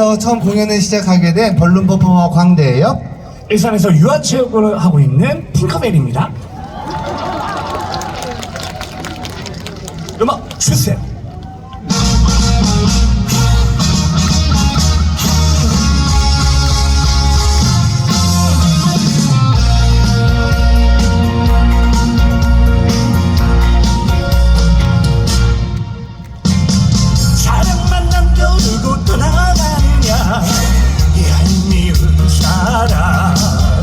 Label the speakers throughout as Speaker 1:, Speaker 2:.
Speaker 1: 일산에서 처음 공연을 시작하게 된 벌룬 퍼포머 광대예요.
Speaker 2: 일산에서 유아체육을 하고 있는 팅커벨입니다. 음악 주세요. 사랑만 남겨두고 떠나가느냐 얄미운 사람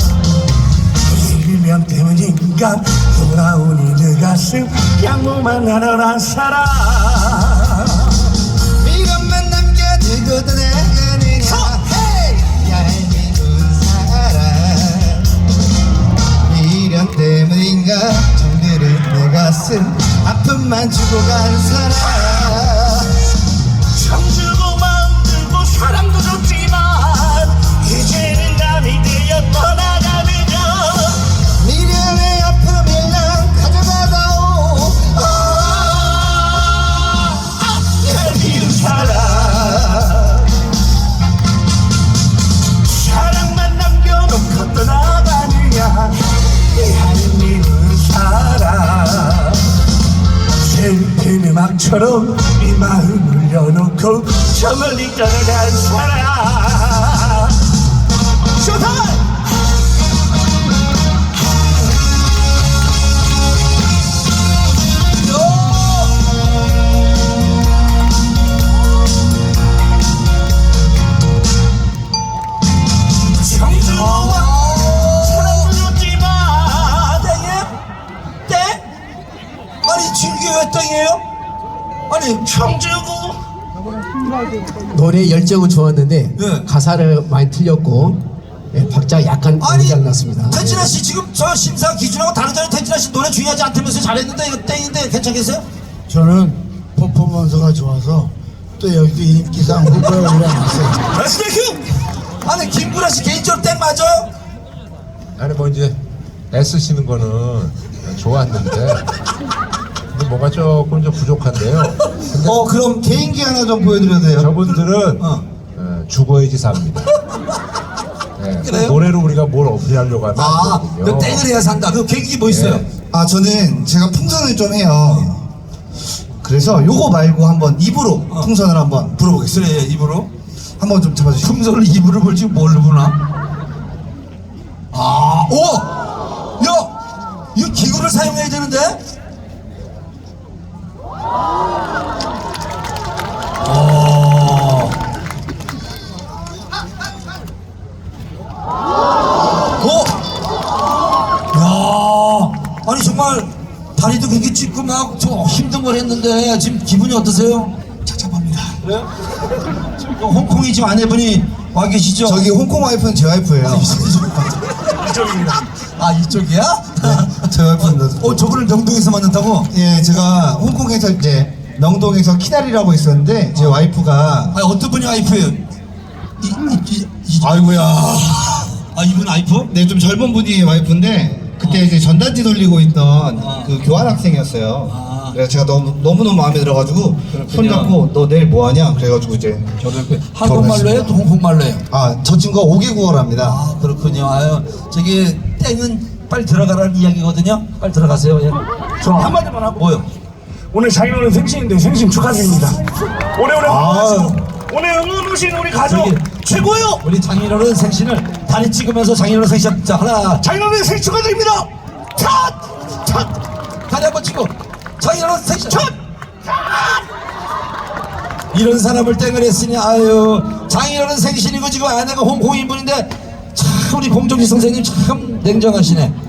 Speaker 2: 일면 때문인가 돌아오니 내 가슴 양무만 하려는 사람
Speaker 1: 이것만 남겨두고 떠나가느냐 얄미운 사람 미련 때문인가 정들은 내 가슴 아픔만 주고 간 사람
Speaker 2: 참 주고 마음 들고 사랑도 줬지만 이제는 남이 되어 떠나가느냐
Speaker 1: 미련의 아픔을 난 가져가다오
Speaker 2: 얄미운 사람 사랑만 남겨놓고 떠나가느냐 얄미운 사람 슬픈 음악처럼 이 마음을 열어놓고 저 멀리 떠나간 사람 쇼타임!
Speaker 3: 아니 진규 왜 땡이에요? 아니
Speaker 2: 청주고
Speaker 4: 노래 열정은 좋았는데
Speaker 3: 네.
Speaker 4: 가사를 많이 틀렸고 박자 약간 고장 났습니다.
Speaker 3: 태진아 씨 지금 저 심사 기준하고 다르잖아요. 태진아 씨 노래 중요하지 않다면서 잘했는데 이거 땡인데 괜찮겠어요?
Speaker 5: 저는 퍼포먼스가 좋아서 또 여기도 인기상 후보에 올라왔어요.
Speaker 3: 아니 김구라 씨 개인적으로 땡 맞아요?
Speaker 6: 아니 뭐 이제 애쓰시는 거는 좋았는데 근데 뭐가 조금 좀 부족한데요. 근데
Speaker 1: 그럼 개인기 하나 좀 보여드려도 돼요?
Speaker 6: 저분들은 죽어야지 삽니다. 네,
Speaker 3: 그래요?
Speaker 6: 노래로 우리가 뭘 어필하려고 하면 안
Speaker 3: 그
Speaker 6: 되거든요.
Speaker 3: 땡을 해야 산다. 그 계획이 뭐 있어요?
Speaker 6: 네.
Speaker 1: 저는 제가 풍선을 좀 해요. 그래서 요거 말고 한번 입으로 풍선을 한번 불어보겠습니다.
Speaker 3: 그래 입으로
Speaker 1: 한번 좀 잡아주시죠.
Speaker 3: 풍선을 입으로 볼지 뭘로 보나? 오! 야! 이거 기구를 사용해야 되는데? 야! 아니 정말 다리도 그렇게 찢고 막 좀 힘든 걸 했는데 지금 기분이 어떠세요?
Speaker 1: 착잡합니다.
Speaker 3: 그래요? 홍콩이 지금 아내분이 와 계시죠?
Speaker 1: 저기 홍콩 와이프는 제 와이프예요.
Speaker 2: 이쪽입니다.
Speaker 3: 아 이쪽이야?
Speaker 1: 제 와이프는
Speaker 3: 저거를 명동에서 만났다고?
Speaker 1: 예, 제가 홍콩에서 이제 명동에서 키다리라고 있었는데 제 와이프가
Speaker 3: 아니 어떤 분이 와이프예요?
Speaker 1: 아이고야.
Speaker 3: 아 이분 와이프?
Speaker 1: 네, 좀 젊은 분이 와이프인데 그때 이제 전단지 돌리고 있던 그 교환 학생이었어요. 그래서 제가 너무 마음에 들어가지고 손잡고 너 내일 뭐 하냐? 그래가지고 이제
Speaker 3: 한국말로 해요? 또 홍콩말로 해요?
Speaker 1: 저 친구가 5개국어랍니다.
Speaker 3: 아 그렇군요. 아유 저기 땡은 빨리 들어가라는 이야기거든요. 빨리 들어가세요. 예.
Speaker 2: 저 한마디만 하고
Speaker 3: 뭐요?
Speaker 2: 오늘 장인어른 생신인데 생신 축하드립니다. 오래오래 건강하시고 오늘 응원 오신 우리 가족
Speaker 3: 저기,
Speaker 2: 최고요.
Speaker 3: 우리 장인어른 생신을 다리 찍으면서 장인어른 생신 자 하나
Speaker 2: 장인어른 생신 축하드립니다. 탓!
Speaker 3: 다리 한번 치고 장인어른 생신 첫! 이런 사람을 땡을 했으니 아유 장인어른 생신이고 지금 아내가 홍콩인분인데 참 우리 공정지 선생님 참 냉정하시네.